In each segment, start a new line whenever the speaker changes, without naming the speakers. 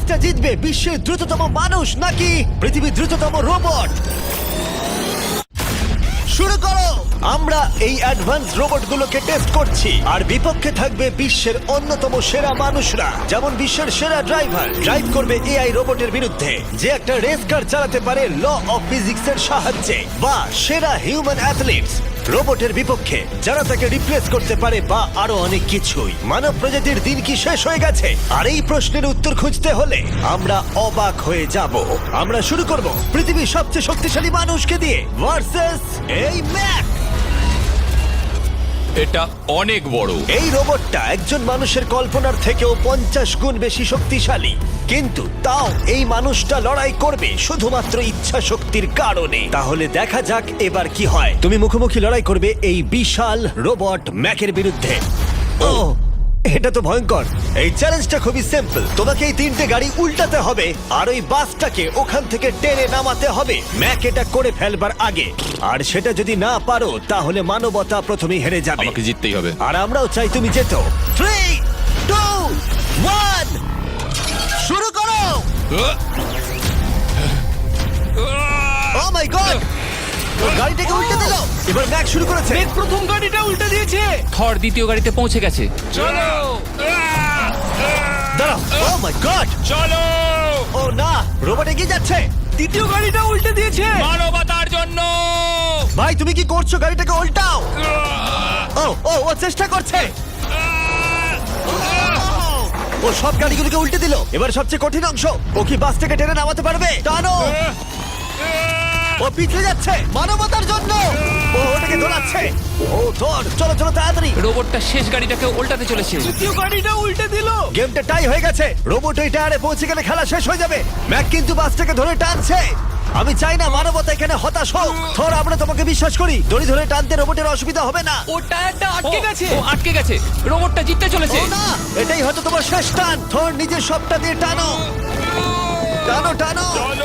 রেসটা জিতবে বিশ্বের দ্রুততম মানুষ নাকি পৃথিবীর দ্রুততম রোবট? শুরু করো। আমরা এই অ্যাডভান্স রোবটগুলোকে টেস্ট করছি আর বিপক্ষে থাকবে বিশ্বের অন্যতম সেরা মানুষরা, যেমন বিশ্বের সেরা ড্রাইভার ড্রাইভ করবে এআই রোবটের বিরুদ্ধে যে একটা রেস কার চালাতে পারে ল অফ ফিজিক্সের সাহায্যে, বা সেরা হিউম্যান অ্যাথলিটস রোবটের বিপক্ষে যারা তাকে রিপ্লেস করতে পারে, বা আরো অনেক কিছুই। মানব প্রজাতির দিন কি শেষ হয়ে গেছে? আর এই প্রশ্নের উত্তর খুঁজতে হলে আমরা অবাক হয়ে যাব। আমরা শুরু করব পৃথিবীর সবচেয়ে শক্তিশালী মানুষকে দিয়ে ভার্সেস এই ম্যাক।
এটা অনেক বড়।
এই রোবটটা একজন মানুষের কল্পনার থেকেও 50 গুণ বেশি শক্তিশালী, কিন্তু তাও এই মানুষটা লড়াই করবে শুধুমাত্র ইচ্ছা শক্তির কারণে। তাহলে দেখা যাক এবার কি হয়। তুমি মুখোমুখি লড়াই করবে এই বিশাল রোবট ম্যাকের বিরুদ্ধে। ও, এটা তো ভয়ঙ্কর। এই চ্যালেঞ্জটা খুবই সিম্পল। তোমাকে এই 3টে গাড়ি উল্টাতে হবে আর ওই বাসটাকে ওখান থেকে টেনে নামাতে হবে ম্যাক এটা করে ফেলবার আগে। আর সেটা যদি না পারো তাহলে মানবতা প্রথমেই হেরে যাবে।
আমাকে জিততেই হবে।
আর আমরাও চাই তুমি যেতো। 3, 2, 1 শুরু করো। ও মাই গড, গাড়িটাকে উল্টে দিল। এবার ম্যাক শুরু করেছে।
প্রথম গাড়িটা উল্টে দিয়েছে।
থর দ্বিতীয় গাড়িতে পৌঁছে গেছে।
দাঁড়াও। ও মাই গড,
চলো
ও না, রোবট এগিয়ে যাচ্ছে।
দ্বিতীয় গাড়িটা উল্টে দিয়েছে।
মানবতার জন্য।
ভাই তুমি কি করছো? গাড়িটাকে উল্টাও। ও ও ও চেষ্টা করছে। ও সব গাড়িগুলোকে উল্টে দিল। এবার সবচেয়ে কঠিন অংশ, ও কি বাসটাকে টেনে নামাতে পারবে? টানো। ও পিছলে যাচ্ছে মানবতার জন্য। ও ওটাকে দোলাচ্ছে। ও ধর, চলো চলো তাড়াতাড়ি।
রোবটটা শেষ গাড়িটাকে উল্টাতে চলেছে।
দ্বিতীয় গাড়িটা উল্টে দিল।
গেমটা টাই হয়ে গেছে। রোবট ওই টায়ারে পৌঁছে গেলে খেলা শেষ হয়ে যাবে। ম্যাক কিন্তু বাসটাকে ধরে টানছে। আমি চাই না মানবতা এখানে হতাশ হোক। থর, আমরা তোমাকে বিশ্বাস করি। দড়ি ধরে টানতে রোবটের অসুবিধা হবে না।
ও টায়ারটা আটকে গেছে।
ও আটকে গেছে। রোবটটা জিততে চলেছে।
ও না, এটাই হয়তো তোমার শেষ টান। থর নিজের সবটা দিয়ে টানো, টানো টানো।
চলো।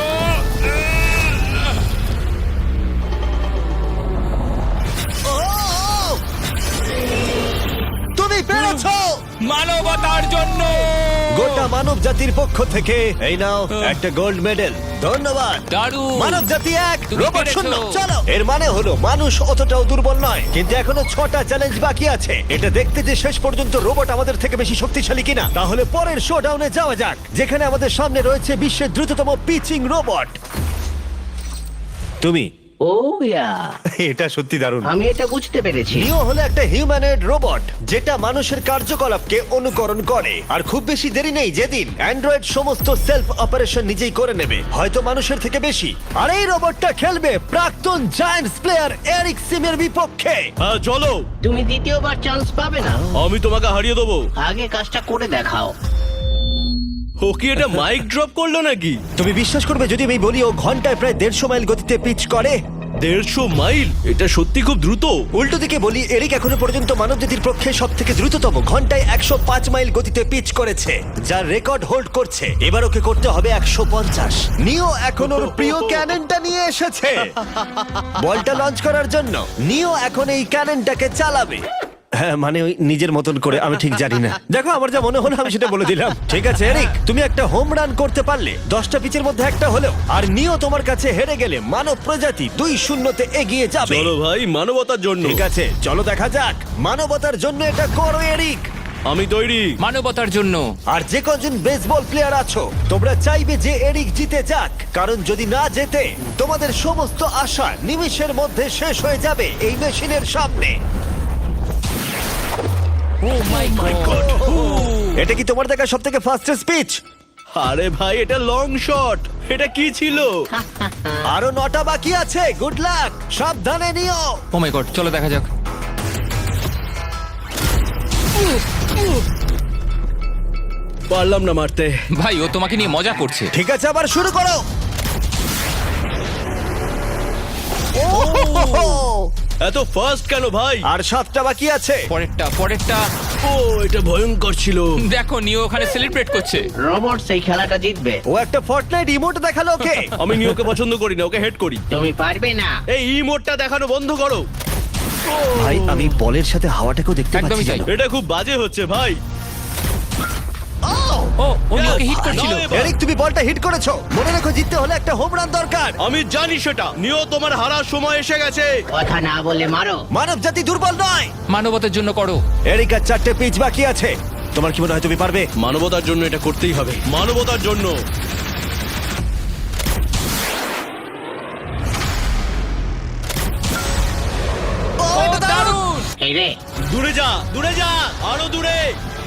ও, তুমি পেরেছো।
মানবতার জন্য।
গোটা মানব জাতির পক্ষ থেকে এই নাও একটা গোল্ড মেডেল। ধন্যবাদ।
দারুণ।
মানব জাতি 1,
তুমি
রোবট
পেরেছো।
0। চলো, এর মানে হলো মানুষ অতটাও দুর্বল নয়, কিন্তু এখনো 6টা চ্যালেঞ্জ বাকি আছে। এটা দেখতে যে শেষ পর্যন্ত রোবট আমাদের থেকে বেশি শক্তিশালী কিনা। তাহলে পরের শোডাউনে যাওয়া যাক, যেখানে আমাদের সামনে রয়েছে বিশ্বের দ্রুততম পিচিং রোবট। তুমি
ও ইয়া,
এটা সত্যি দারুণ।
আমি এটা বুঝতে পেরেছি।
নিও হলো একটা হিউম্যানয়েড রোবট যেটা মানুষের কার্যকলাপকে অনুকরণ করে। আর খুব বেশি দেরি নেই যেদিন অ্যান্ড্রয়েড সমস্ত সেলফ অপারেশন নিজেই করে নেবে, হয়তো মানুষের থেকে বেশি। আর এই রোবটটা খেলবে প্রাক্তন জায়ান্টস প্লেয়ার এরিক সিমের বিপক্ষে।
হ্যাঁ চলো,
তুমি দ্বিতীয়বার চান্স পাবে না।
আমি তোমাকে হারিয়ে দেবো।
আগে কাজটা করে দেখাও।
ও কি এটা মাইক ড্রপ করলো নাকি?
তুমি বিশ্বাস করবে যদি আমি বলি ও ঘন্টায় প্রায় 150 মাইল গতিতে পিচ করে?
150 মাইল? এটা সত্যি খুব দ্রুত।
উল্টো দিকে বলি, এরিক এখনো পর্যন্ত মানবজাতির পক্ষে সব থেকে দ্রুততম ঘন্টায় 105 মাইল গতিতে পিচ করেছে, যার রেকর্ড হোল্ড করছে। এবার ওকে করতে হবে 150। নিও এখন ওর প্রিয় ক্যাননটা নিয়ে এসেছে বলটা লঞ্চ করার জন্য। নিও এখন এই ক্যাননটাকে চালাবে। হ্যাঁ, মানে ওই নিজের মতন করে, আমি ঠিক জানি না। দেখো, আমার যা মনে হলো আমি সেটা বলে দিলাম। ঠিক আছে এরিক, তুমি একটা হোম রান করতে পারলে 10টা পিচের মধ্যে একটা হলেও, আর নিও তোমার কাছে হেরে গেলে মানব প্রজাতি 2-0 এগিয়ে যাবে।
চলো ভাই, মানবতার জন্য।
ঠিক আছে, চলো দেখা যাক। মানবতার জন্য এটা করো এরিক।
আমি তৈরি।
মানবতার জন্য।
আর যে কজন বেসবল প্লেয়ার আছো, তোমরা চাইবে যে এরিক জিতে যাক, কারণ যদি না জেতে তোমাদের সমস্ত আশা নিমিষের মধ্যে শেষ হয়ে যাবে এই মেশিনের সামনে।
Oh my god.
এটা কি তোমার দেখা সব থেকে ফাস্টেস্ট স্পিচ?
আরে ভাই, এটা লং শট। এটা কি ছিল?
আরো 9টা বাকি আছে। গুড লাক, সাবধানে নিও।
ও মাই গড, চলো দেখা যাক।
পারলাম না মারতে।
ভাই, ও তোমাকে নিয়ে মজা করছে।
ঠিক আছে, আবার শুরু করো।
এত ফাস্ট কেন ভাই?
আর 7টা বাকি আছে।
পরেরটা।
ও, এটা ভয়ঙ্কর ছিল।
দেখো, নিও ওখানে সেলিব্রেট করছে।
রোবট সেই খেলাটা জিতবে।
ও একটা ফর্টনাইট ইমোট দেখালো ওকে।
আমি নিওকে পছন্দ করি না, ওকে হেড করি।
তুমি পারবে না।
এই ইমোটটা দেখানো বন্ধ করো।
ভাই, আমি বলের সাথে হাওয়াটাকেও দেখতে
একদমই
পাচ্ছি
তাই।
জানো?
এটা খুব বাজে হচ্ছে ভাই।
Oh!
উনি ওকে হিট করছিল।
নাও এবার।
এরিক তুমি বলটা হিট করেছো, মনে রাখো জিততে হলে একটা হোম রান দরকার।
আমি জানি সেটা। নিও, তোমার হারার সময় এসে গেছে।
কথা না বলে মারো।
মানব জাতি দুর্বল নয়।
মানবতার জন্য করো।
এরিক আর 4টে পিচ বাকি আছে, তোমার কি মনে হয় তুমি পারবে?
মানবতার জন্য এটা করতেই হবে, মানবতার জন্য।
ও, এটা দারুণ!
এই রে,
দূরে যা, দূরে যা, আরো দূরে।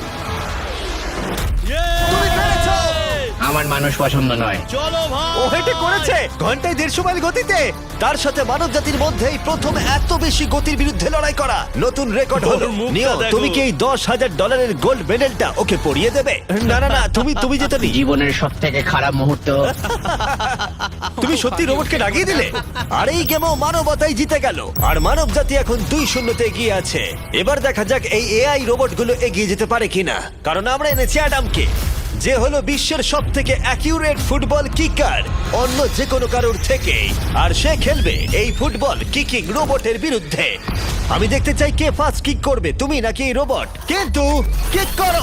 তুমি পেরেছো!
আমার মানুষ পছন্দ নয়।
চলো ভাই।
ও হেটে করেছে ঘন্টায় 150 মাইল গতিতে। তার সাথে মানব জাতির মধ্যেই প্রথম এত বেশি গতির বিরুদ্ধে লড়াই করা নতুন রেকর্ড হলো।
ওর মুখটা
নিও,
দেখো।
তুমি কি এই $10,000 গোল্ড মেডেলটা ওকে পরিয়ে দেবে? না না না, তুমি যেতে নি।
জীবনের সব থেকে খারাপ মুহূর্ত।
তুমি সত্যি রোবটকে ডাকিয়ে দিলে। আর এই গেমও মানবতাই জিতে গেল, আর মানব জাতি এখন 2-0 এগিয়ে আছে। এবার দেখা যাক এই এআই রোবটগুলো এগিয়ে যেতে পারে কিনা, কারণ আমরা এনেছি অ্যাডামকে, যে হলো বিশ্বের সব থেকে অ্যাকিউরেট ফুটবল কিকার অন্য যে কোনো কারোর থেকে। আর সে খেলবে এই ফুটবল কিকিং রোবটের বিরুদ্ধে। আমি দেখতে চাই কে ফার্স্ট কিক করবে, তুমি নাকি এই রোবট। কিন্তু কিক করো।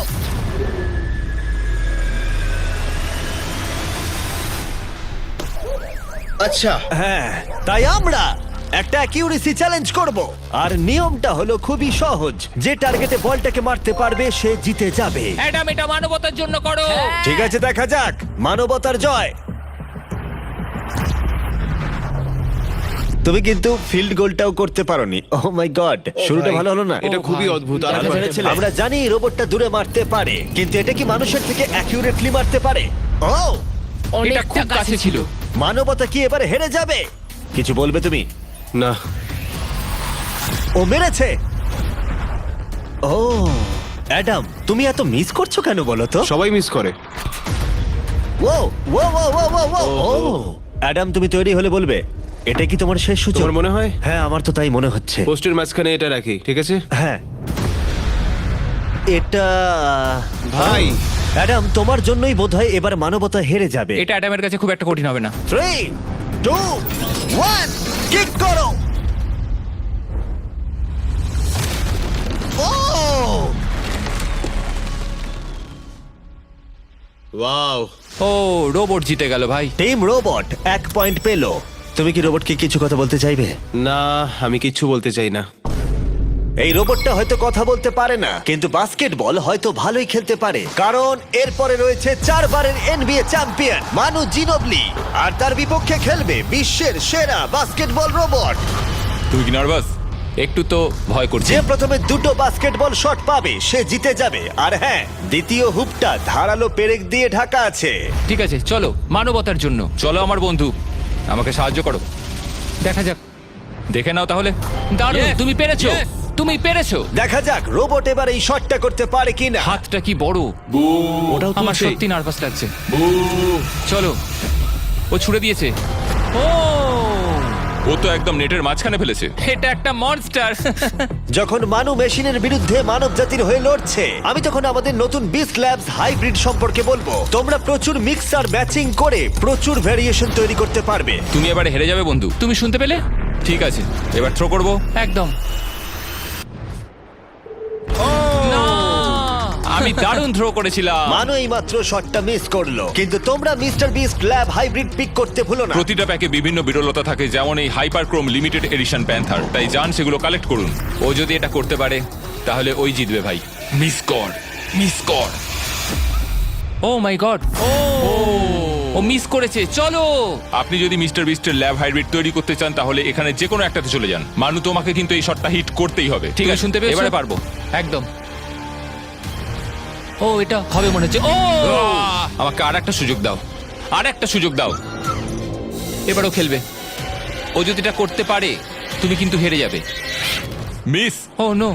আচ্ছা,
হ্যাঁ, তাই আমরা একটা অ্যাকিউরেসি চ্যালেঞ্জ করব। আর নিয়মটা হলো খুবই সহজ, যে টার্গেটে বলটাকে মারতে পারবে সে জিতে যাবে।
অ্যাডাম, এটা মানবতার জন্য করো।
ঠিক আছে, দেখা যাক মানবতার জয়। তুমি কিন্তু ফিল্ড গোলটাও করতে পারোনি। ও মাই গড, শুরুটা ভালো হলো না।
এটা খুবই অদ্ভুত। আর
আমরা ভেবেছিলাম- আমরা জানি রোবটটা দূরে মারতে পারে, কিন্তু এটা কি মানুষের থেকে অ্যাকিউরেটলি মারতে পারে? ও,
এটা খুব কাছে ছিল।
মানবতা কি এবারে হেরে যাবে? কিছু বলবে তুমি?
না,
ও মেরেছে। ও অ্যাডাম, তুমি এত মিস করছো কেন বলো তো?
সবাই মিস করে।
ও ও ও ও ও ও ও অ্যাডাম, তুমি তৈরি হলে বলবে। এটা কি তোমার শেষ সূচক?
তোমার মনে হয়?
হ্যাঁ, আমার তো তাই মনে হচ্ছে।
পোস্টের মাঝখানে এটা রাখি, ঠিক আছে?
হ্যাঁ, এটা
ভাই।
অ্যাডাম, তোমার জন্যই বোধহয় এবার মানবতা হেরে যাবে।
এটা অ্যাডামের কাছে খুব একটা কঠিন হবে না।
3, 2, 1, কিক করো। ও,
ওয়াও।
ও, রোবট জিতে গেল ভাই।
টিম রোবট 1 পয়েন্ট পেলো। তুমি কি রোবটকে কিছু কথা বলতে চাইবে?
না, আমি কিচ্ছু বলতে চাই না।
এই রোবটটা হয়তো কথা বলতে পারে না, কিন্তু বাস্কেটবল হয়তো ভালোই খেলতে পারে, কারণ এরপরে রয়েছে 4 বারের NBA চ্যাম্পিয়ন মানু জিনোবলি, আর তার বিপক্ষে খেলবে বিশ্বের সেরা বাস্কেটবল রোবট।
তুই কি নার্ভাস? একটু তো ভয় করছে।
যে প্রথমে 2টো বাস্কেটবল শট পাবে সে জিতে যাবে। আর হ্যাঁ, দ্বিতীয় হুপটা ধারালো পেরেক দিয়ে ঢাকা আছে।
ঠিক আছে, চলো মানবতার জন্য। চলো আমার বন্ধু, আমাকে সাহায্য করো। দেখা যাক, দেখে নাও তাহলে। দারুণ,
Yes,
তুমি পেরেছো।
yes.
তুমি পেরেছো।
দেখা যাক রোবট এবার এই শটটা করতে পারে কিনা।
হাতটা কি বড়।
ওটাও
আমার
তুলছে।
সত্যি নার্ভাস লাগছে। চলো, ও ছুড়ে দিয়েছে। ও,
ও তো একদম নেটের মাঝখানে ফেলেছে।
এটা একটা মনস্টার।
যখন মানু মেশিনের বিরুদ্ধে মানব জাতির হয়ে লড়ছে, আমি তখন আমাদের নতুন বিস্ট ল্যাবস হাইব্রিড সম্পর্কে বলবো। তোমরা প্রচুর মিক্সার ম্যাচিং করে প্রচুর ভেরিয়েশন তৈরি করতে পারবে।
তুমি এবারে হেরে যাবে বন্ধু।
তুমি শুনতে পেলে?
ঠিক আছে, এবার থ্রো করবো।
একদম। না, আমি দারুণ থ্রো করেছিলাম।
মানু এই মাত্র শটটা মিস করলো, কিন্তু তোমরা Mister Beast lab hybrid pick করতে ভুলো না।
প্রতিটা প্যাকে বিভিন্ন বিরলতা থাকে, যেমন এই হাইপারক্রোম লিমিটেড এডিশন প্যান্থার। তাই যান সেগুলো কালেক্ট করুন।
ও যদি এটা করতে পারে তাহলে ওই জিতবে ভাই।
মিস কর, মিস কর।
ও মাই গড, ও মিস করেছে। চলো,
আপনি যদি মিস্টার বিস্টের ল্যাব হাইব্রিড তৈরি করতে চান তাহলে এখানে যে কোনো একটাতে চলে যান। মানু, তোমাকে কিন্তু এই শটটা হিট করতেই হবে।
ঠিক আছে, শুনতে পেয়েছো?
এবারে পারবো।
একদম। ও, এটা হবে মনে হচ্ছে। ও,
আমাকে আর একটা সুযোগ দাও, আর একটা সুযোগ দাও।
এবারও খেলবে। ও যদি এটা করতে পারে তুমি কিন্তু হেরে যাবে।
মিস।
ও নো,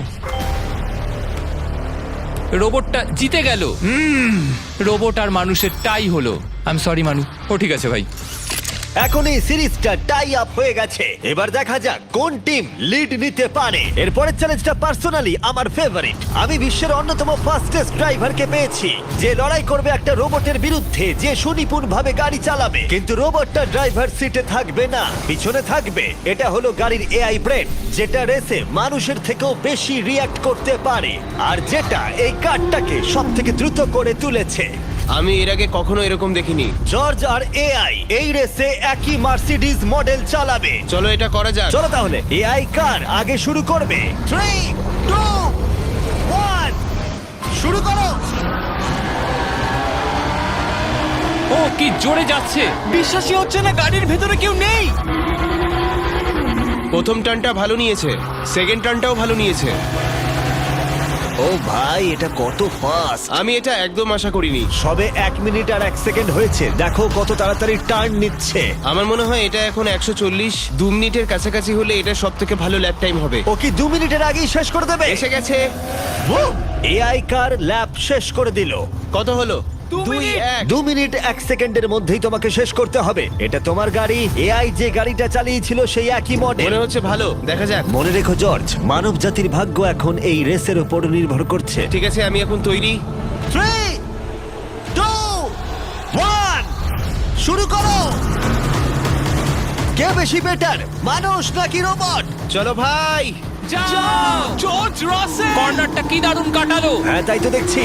রোবটটা জিতে গেল। রোবট আর মানুষের টাই হলো। আই এম সরি মানু।
ও ঠিক আছে ভাই।
এখন এই সিরিজটা টাই আপ হয়ে গেছে। এবার দেখা যাক কোন টিম লিড নিতে পারে। এরপরের চ্যালেঞ্জটা পার্সোনালি আমার ফেভারিট। আমি বিশ্বের অন্যতম ফাস্টেস্ট ড্রাইভারকে পেয়েছি, যে লড়াই করবে একটা রোবটের বিরুদ্ধে যে সুনিপুণভাবে গাড়ি চালাবে। কিন্তু রোবটটা ড্রাইভার সিটে থাকবে না, পিছনে থাকবে। এটা হলো গাড়ির এআই ব্রেন, যেটা রেসে মানুষের থেকেও বেশি রিয়্যাক্ট করতে পারে, আর যেটা এই কারটাকে সব থেকে দ্রুত করে তুলেছে।
আমি এর আগে কখনো এরকম দেখিনি।
জর্জ আর এআই এই রেসে একই মার্সিডিজ মডেল চালাবে।
চলো এটা করা যাক।
চলো তাহলে এআই কার আগে শুরু করবে। 3, 2, 1 শুরু করো।
ও কি জোরে যাচ্ছে!
বিশ্বাসই হচ্ছে না গাড়ির ভেতরে কেউ নেই।
প্রথম টার্নটা ভালো নিয়েছে, সেকেন্ড টার্নটাও ভালো নিয়েছে।
ও ভাই, এটা কত ফাস্ট!
আমি এটা একদম আশা করিনি।
সবে 1 মিনিট আর 1 সেকেন্ড হয়েছে, দেখো কত তাড়াতাড়ি টার্ন নিচ্ছে।
আমার মনে হয় এটা এখন 140, 2 মিনিটের কাছাকাছি হলে এটা সব থেকে ভালো ল্যাপ টাইম হবে।
ও কি 2 মিনিটের আগেই শেষ করে দেবে?
এসে গেছে।
এআই কার ল্যাব শেষ করে দিল।
কত হলো?
2 মিনিট।
2 মিনিট 1 সেকেন্ডের মধ্যেই তোমাকে শেষ করতে হবে। এটা তোমার গাড়ি। এআই যে গাড়িটা চালিয়েছিল সেই একই মডেল।
মনে হচ্ছে ভালো, দেখা যাক।
মনে রেখো জর্জ, মানব জাতির ভাগ্য এখন এই রেসের উপর নির্ভর করছে।
ঠিক আছে, আমি এখন তৈরি।
3, 2, 1 শুরু করো। কে বেশি বেটার, মানুষ নাকি রোবট?
চলো ভাই।
যাও!
জর্জ রাসেল।
কর্নারটা কি দারুণ কাটালো!
হ্যাঁ, তাই তো দেখছি।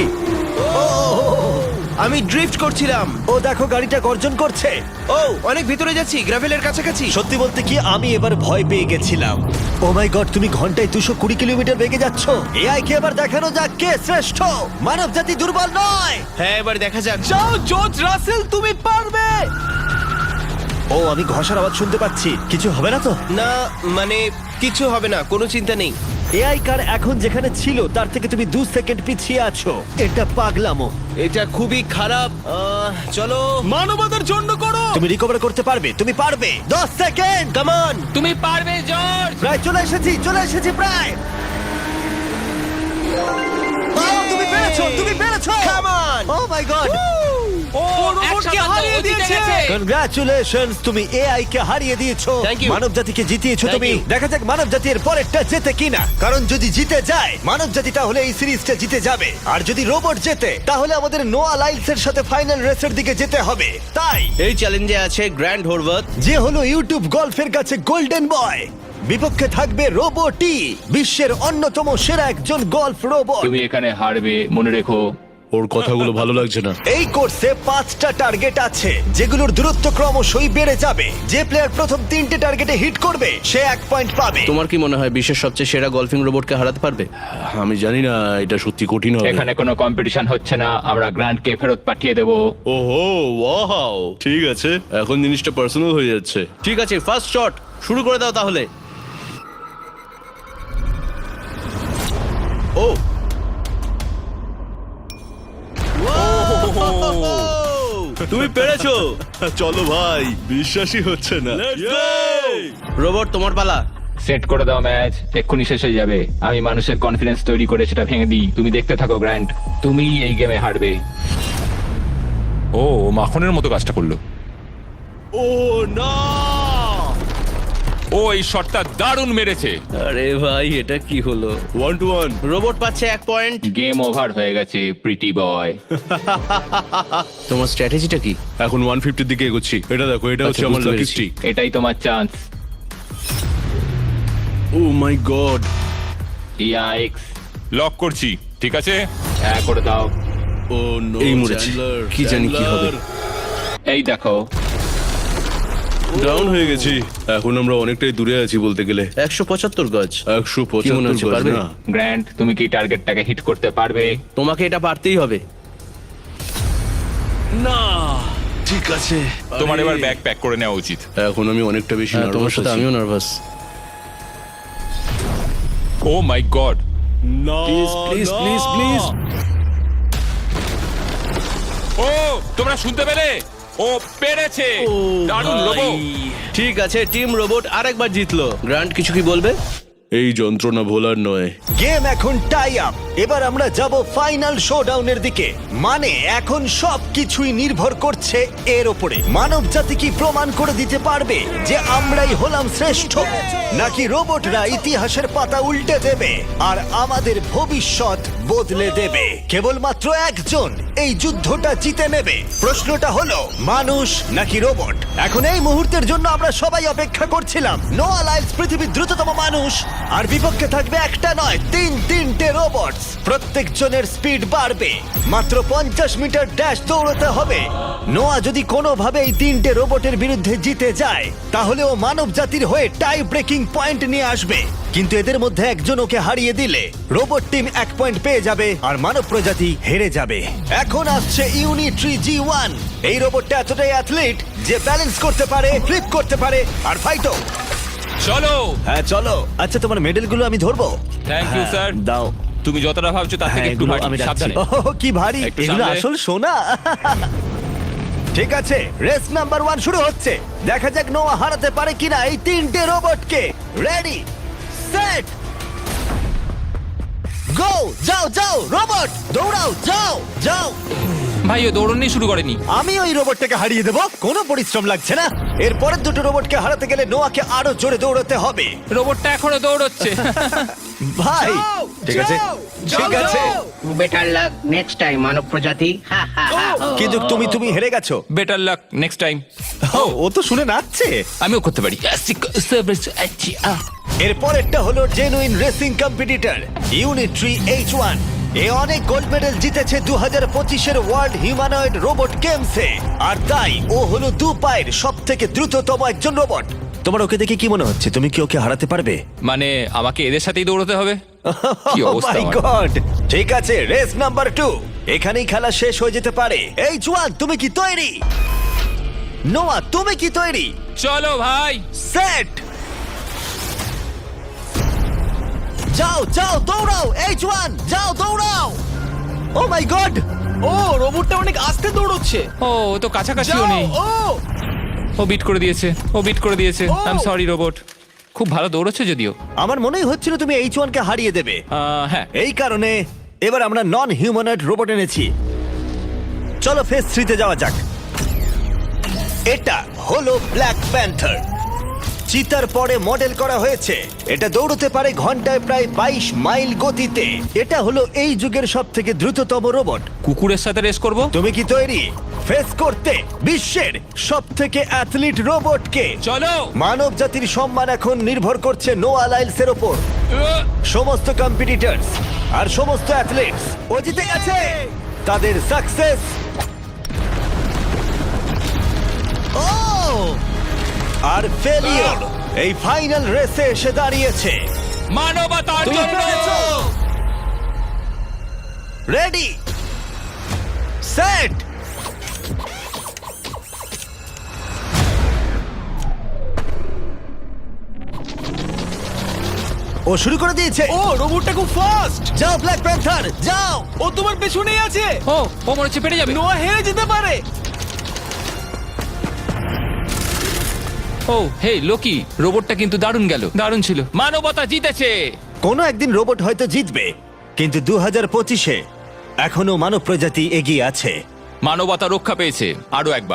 আমি ড্রিফট করছিলাম।
ও দেখো, গাড়িটা গর্জন করছে।
ও অনেক ভিতরে যাচ্ছি, গ্রাভেলের কাছাকাছি।
সত্যি বলতে কি, আমি এবার ভয় পেয়ে গেছিলাম। ও মাই গড, তুমি ঘন্টায় 220 কিলোমিটার বেগে যাচ্ছ। এআই কে এবার দেখানো যাক কে শ্রেষ্ঠ। মানব জাতি দুর্বল নয়।
হ্যাঁ, এবার দেখা যাক।
যাও জর্জ রাসেল, তুমি পারবে।
ও, আমি ঘষার আওয়াজ শুনতে পাচ্ছি। কিছু হবে না তো?
না, মানে কিছু হবে না, কোনো চিন্তা নেই।
এআই কার এখন যেখানে ছিল তার থেকে তুমি 2 সেকেন্ড পিছিয়ে আছো। এটা পাগলামো।
এটা খুবই খারাপ। চলো।
মানবতার জন্য করো।
তুমি রিকভার করতে পারবে, তুমি পারবে। 10 সেকেন্ড।
Come on.
তুমি পারবে জর্জ!
প্রায় চলে এসেছি প্রায়। ও, তুমি পেরেছো, তুমি পেরেছো।
Come on.
O my god,
ও রোবটকে হারিয়ে দিয়েছে।
কনগ্রাচুলেশনস, তুমি এআই কে হারিয়ে দিয়েছো।
Thank you.
মানব জাতিকে জিতিয়েছো
Thank
তুমি।
you.
দেখা যাক মানব জাতি এর পরেরটা জেতে কিনা। কারণ যদি জিতে যায় মানব জাতি, তাহলে এই সিরিজটা জিতে যাবে। আর যদি রোবট জেতে, তাহলে আমাদের নোয়া লাইলসের সাথে ফাইনাল রেসের দিকে যেতে হবে। তাই
এই চ্যালেঞ্জে আছে গ্র্যান্ড হোরভাত।
যে হলো ইউটিউব গল্ফের কাছে গোল্ডেন বয়, বিপক্ষে থাকবে রোবটি, বিশ্বের অন্যতম সেরা একজন গল্ফ রোবট।
তুমি এখানে হারবে, মনে রেখো।
ওর কথাগুলো ভালো লাগছে না।
এই কোর্সে 5টা টার্গেট আছে, যেগুলোর দূরত্ব ক্রমশই বেড়ে যাবে। যে প্লেয়ার প্রথম 3টে টার্গেটে হিট করবে সে 1 পয়েন্ট পাবে।
তোমার কি মনে হয় বিশ্বের সবচেয়ে সেরা গলফিং রোবটকে হারাতে পারবে?
আমি জানি না, এটা সত্যি কঠিন হবে।
এখানে কোনো কম্পিটিশন হচ্ছে না, আমরা গ্র্যান্ডকে ফেরত পাঠিয়ে দেবো।
ওহো, ওয়াও, ঠিক আছে, এখন জিনিসটা পার্সোনাল হয়ে যাচ্ছে।
ঠিক আছে, ফার্স্ট শট শুরু করে দাও তাহলে। ও তুমি পেরেছো।
চলো ভাই, বিশ্বাসই হচ্ছে না।
রোবট, তোমার পালা।
সেট করে দাও ম্যাচ, এক্ষুনি শেষ হয়ে যাবে। আমি মানুষের কনফিডেন্স তৈরি করে সেটা ভেঙে দিই। তুমি দেখতে থাকো গ্র্যান্ড, তুমি এই গেমে হারবে।
ও মাখনের মতো কাজটা করলো।
ও না!
ও এই শটটা দারুণ মেরেছে।
আরে ভাই, এটা কি হলো?
1-1।
রোবট পাচ্ছে 1 পয়েন্ট।
গেম ওভার হয়ে গেছে, প্রিটি বয়।
তোমার স্ট্র্যাটেজিটা কি?
এখন 150 দিকে এগোচ্ছি। এটা দেখো, এটা হচ্ছে
আচ্ছা,
আমার
বুঝতে
লাকি
পেরেছি।
স্ট্রিক।
এটাই তোমার chance.
Oh my god!
Yikes!
Lock করছি, ঠিক আছে?
হ্যাঁ, করে দাও।
Oh no!
এই মরেছি। কি জানি কি হবে।
এই দেখো,
ডাউন হয়ে গেছি। এখন আমরা অনেকটাই দূরে আছি বলতে গেলে।
175 গজ।
175
কি মনে হচ্ছে,
গজ
পারবে?
না।
গ্র্যান্ড, তুমি কি টার্গেটটাকে হিট করতে পারবে?
তোমাকে এটা পারতেই হবে।
না, ঠিক আছে।
তোমার
আরে,
এবার ব্যাগ প্যাক করে নেওয়া উচিত।
এখন আমি অনেকটা বেশি
হ্যাঁ, তোমার
নার্ভাস
সাথে
আছি।
আমিও নার্ভাস।
Oh my god!
না,
প্লিজ প্লিজ
না।
Please please.
ও তোমরা শুনতে পেলে? ও পেরেছে! দারুণ লোবো।
ঠিক আছে, টিম রোবট আরেকবার জিতলো। গ্র্যান্ড, কিছু কি বলবে?
এই যন্ত্রণা ভোলার নয়।
গেম এখন টাই আপ। এবার আমরা যাব ফাইনাল শোডাউনের দিকে। মানে এখন সবকিছুই নির্ভর করছে এর উপরে। মানব জাতি কি প্রমাণ করে দিতে পারবে যে আমরাই হলাম শ্রেষ্ঠ, নাকি রোবটরা ইতিহাসের পাতা উল্টে দেবে আর আমাদের ভবিষ্যৎ বদলে দেবে। কেবলমাত্র একজন এই যুদ্ধটা জিতে নেবে। প্রশ্নটা হলো মানুষ নাকি রোবট। এখন এই মুহূর্তের জন্য আমরা সবাই অপেক্ষা করছিলাম। নোয়া লাইলস পৃথিবীর দ্রুততম মানুষ, আর বিপক্ষে থাকবে একটা নয় তিনটে রোবট। প্রত্যেকজনের স্পিড বাড়বে। মাত্র 50 মিটার ড্যাশ দৌড়তে হবে। নোয়া যদি কোনোভাবে এই তিনটে রোবটের বিরুদ্ধে জিতে যায়, তাহলে ও মানব জাতির হয়ে টাই ব্রেকিং পয়েন্ট নিয়ে আসবে। কিন্তু এদের মধ্যে একজন ওকে হারিয়ে দিলে রোবট টিম 1 পয়েন্ট পেয়ে যাবে আর মানব প্রজাতি হেরে যাবে। এখন আসছে ইউনিট্রি G1। এই রোবটটা এতটাই অ্যাথলিট যে ব্যালেন্স করতে পারে, ফ্লিপ করতে পারে আর ফাইটও।
চলো।
হ্যাঁ চলো। আচ্ছা, তোমার মেডেলগুলো আমি ধরবো?
Thank you,
হ্যাঁ,
sir.
দাও।
তুমি যতটা ভাবছো তার থেকে
হ্যাঁ,
একটু
এগুলো
ভারী।
আমি রাখছি।
সাবধানে।
ওহ, কি ভারী!
একটু
এগুলো
সামলে।
আসল সোনা। ঠিক আছে, রেস নাম্বার 1 শুরু হচ্ছে। দেখা যাক নোয়া হারাতে পারে কিনা এই তিনটে রোবটকে। Ready, set, go! যাও যাও রোবট, দৌড়াও, যাও যাও।
ভাই ও দৌড়নি শুরু করেনি।
আমি ওই রোবটটাকে হারিয়ে দেবো, কোনো পরিশ্রম লাগছে না। এর পরের দুটো রোবটকে হারাতে গেলে নোয়াকে আরো জোরে দৌড়াতে হবে।
রোবটটা এখনো দৌড়চ্ছে।
ভাই
যাও,
ঠিক আছে,
যাও,
ঠিক
যাও,
আছে,
যাও।
বেটার লাক নেক্সট টাইম মানব প্রজাতি। হা, হা, হা।
কিন্তু তুমি হেরে গেছো।
Better luck next time.
ও তো শুনে নাচছে।
আমিও করতে পারি।
এর পরেরটা হলো genuine racing competitor Unitree H1। এ অনেক গোল্ড মেডেল জিতেছে 2025-এর ওয়ার্ল্ড হিউম্যানয়েড রোবট গেমসে, আর তাই ও হলো 2 পায়ের সব থেকে দ্রুততম একজন রোবট। তোমার ওকে দেখে কি মনে হচ্ছে? তুমি কি ওকে হারাতে পারবে?
মানে আমাকে এদের সাথেই দৌড়তে হবে? কি অবস্থা
মাই
আমার।
গড! ঠিক আছে, রেস নাম্বার 2। এখানেই খেলা শেষ হয়ে যেতে পারে। H1, তুমি কি তৈরি? নোয়া, তুমি কি তৈরি?
চলো ভাই।
সেট, যাও যাও দৌড়াও। H1, যাও দৌড়াও। ও মাই গড!
ও রোবটটা অনেক আস্তে দৌড়চ্ছে।
ও ও তো কাছাকাছিও
যাও,
নেই।
ও
ও বিট করে দিয়েছে, ও বিট করে দিয়েছে।
ও।
I am sorry robot. খুব ভালো দৌড়চ্ছে যদিও।
আমার মনেই হচ্ছিল তুমি H1 কে হারিয়ে দেবে।
হ্যাঁ।
এই কারণে এবার আমরা নন হিউম্যানয়েড রোবট এনেছি। চলো ফেজ 3 তে যাওয়া যাক। এটা হলো ব্ল্যাক প্যান্থার। চিতার পরে মডেল করা হয়েছে। এটা দৌড়তে পারে ঘন্টায় প্রায় 22 মাইল গতিতে। এটা হলো এই যুগের সব থেকে দ্রুততম রোবট।
কুকুরের সাথে রেস করব।
তুমি কি তৈরি ফেস করতে বিশ্বের সব থেকে অ্যাথলিট রোবটকে?
চলো।
মানব জাতির সম্মান এখন নির্ভর করছে নোয়া লাইলসের ওপর। সমস্ত কম্পিটিটরস আর সমস্ত অ্যাথলিটস ও জিতে গেছে। তাদের সাকসেস আর ফেলিওর এই ফাইনাল রেসে এসে দাঁড়িয়েছে।
মানবতার
তুমি
জন্য।
পেরেছো। রেডি, সেট, ও শুরু করে দিয়েছে।
ও রোবটটা খুব ফাস্ট।
যাও ব্ল্যাক প্যান্থার, যাও।
ও তোমার পেছনেই আছে।
ও ও মনে হচ্ছে পেরে যাবে।
নোয়া হেরে যেতে পারে।
ও হে লোকি, রোবটটা কিন্তু দারুণ গেল, দারুণ ছিল। মানবতা জিতেছে।
কোনো একদিন রোবট হয়তো জিতবে, কিন্তু 2025-এ এখনো মানব প্রজাতি এগিয়ে আছে।
মানবতা রক্ষা পেয়েছে আরো একবার।